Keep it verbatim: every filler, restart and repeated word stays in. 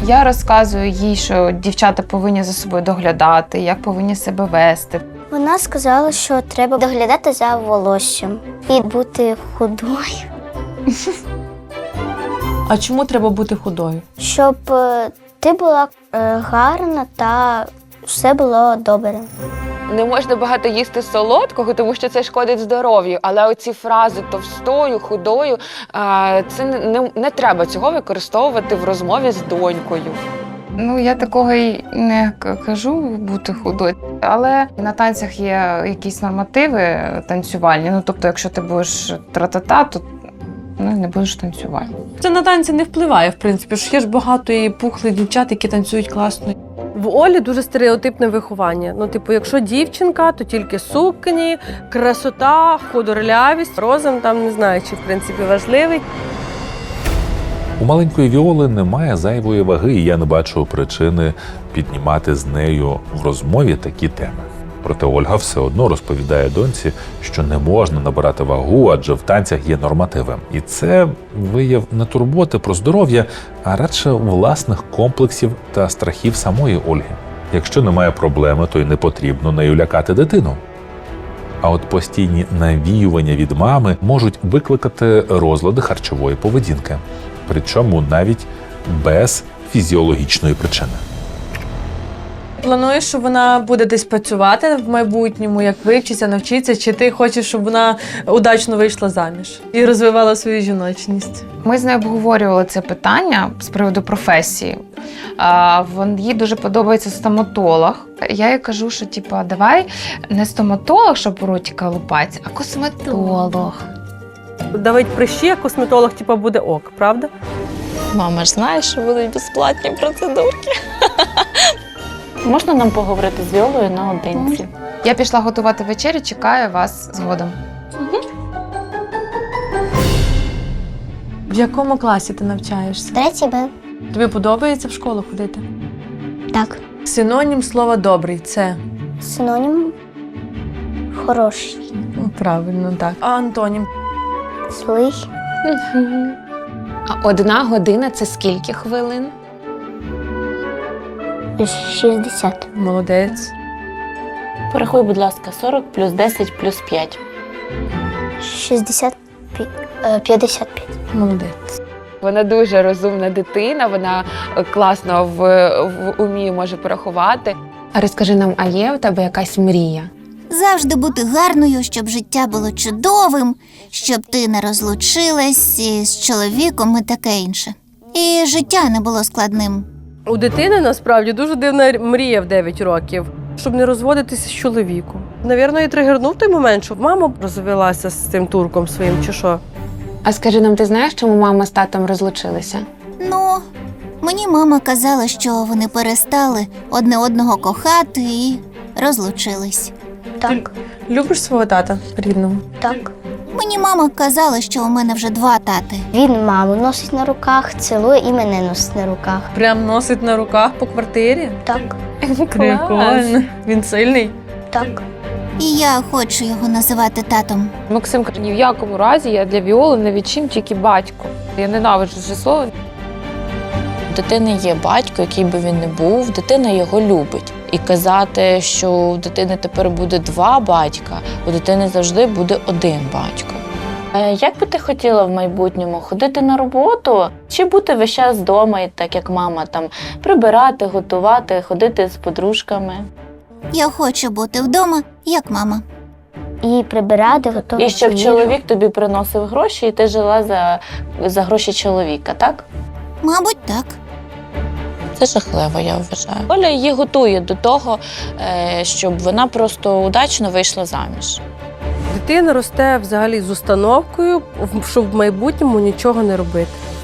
Я розказую їй, що дівчата повинні за собою доглядати, як повинні себе вести. Вона сказала, що треба доглядати за волоссям і бути худою, А чому треба бути худою? щоб е, ти була е, гарна та все було добре. Не можна багато їсти солодкого, тому що це шкодить здоров'ю. Але оці фрази товстою, худою, а, це не, не, не треба цього використовувати в розмові з донькою. Ну, я такого й не к- кажу бути худою. Але на танцях є якісь нормативи танцювальні. Ну, тобто, якщо ти будеш тра-та-та, то ну, не будеш танцювати. Це на танці не впливає, в принципі. Ж є ж багато і пухлих дівчат, які танцюють класно. В Олі дуже стереотипне виховання. Ну, типу, якщо дівчинка, то тільки сукні, красота, худорлявість. Розум там не знаю, чи в принципі важливий. У маленької Віоли немає зайвої ваги, і я не бачу причини піднімати з нею в розмові такі теми. Проте Ольга все одно розповідає доньці, що не можна набирати вагу, адже в танцях є нормативи. І це вияв не турботи про здоров'я, а радше власних комплексів та страхів самої Ольги. Якщо немає проблеми, то й не потрібно нею лякати дитину. А от постійні навіювання від мами можуть викликати розлади харчової поведінки. Причому навіть без фізіологічної причини. Плануєш, що вона буде десь працювати в майбутньому, як вивчиться, навчиться, чи ти хочеш, щоб вона удачно вийшла заміж і розвивала свою жіночність? Ми з нею обговорювали це питання з приводу професії. А, вон- їй дуже подобається стоматолог. Я їй кажу, що типу, давай не стоматолог, щоб ротика лупать, а косметолог. Давить прищі, а косметолог типу, буде ок, правда? Мама ж знає, що будуть безплатні процедурки. Можна нам поговорити з Віолою наодинці? Я пішла готувати вечерю, чекаю вас згодом. В якому класі ти навчаєшся? Третій Б. Тобі подобається в школу ходити? Так. Синонім слова «добрий» – це? Синонім хороший, Ну, правильно, так. А антонім? злий, А одна година – це скільки хвилин? шістдесят. Молодець. Порахуй, будь ласка, сорок плюс десять плюс п'ять. шістдесят пі- е, п'ятдесят п'ять. Молодець. Вона дуже розумна дитина, вона класно в, в умі може порахувати. А розкажи нам, а є у тебе якась мрія? Завжди бути гарною, щоб життя було чудовим, щоб ти не розлучилась із чоловіком і таке інше. І життя не було складним. У дитини насправді дуже дивна мрія в дев'ять років, щоб не розводитися з чоловіком. Навірно, і тригернув той момент, щоб мама розвелася з цим турком своїм чи що. А скажи нам, ти знаєш, чому мама з татом розлучилися? Ну, мені мама казала, що вони перестали одне одного кохати і розлучились. Так, Любиш свого тата рідного? так. Мені мама казала, що у мене вже два тати. Він маму носить на руках, цілує і мене носить на руках. Прям носить на руках по квартирі? Так, Прикольно. Він сильний? так. І я хочу його називати татом. Максим каже, ні в якому разі я для Віоли не відчим тільки батько. Я ненавиджу це слово. У дитини є батько, який би він не був, дитина його любить. І казати, що у дитини тепер буде два батька, у дитини завжди буде один батько. Е, Як би ти хотіла в майбутньому ходити на роботу чи бути весь час вдома, і так як мама, там прибирати, готувати, ходити з подружками? Я хочу бути вдома, як мама. І прибирати, готувати. І щоб їжу. чоловік тобі приносив гроші, і ти жила за, за гроші чоловіка, так? Мабуть, так. Це жахливо, я вважаю. Оля її готує до того, е, щоб вона просто удачно вийшла заміж. Дитина росте взагалі з установкою, щоб в майбутньому нічого не робити.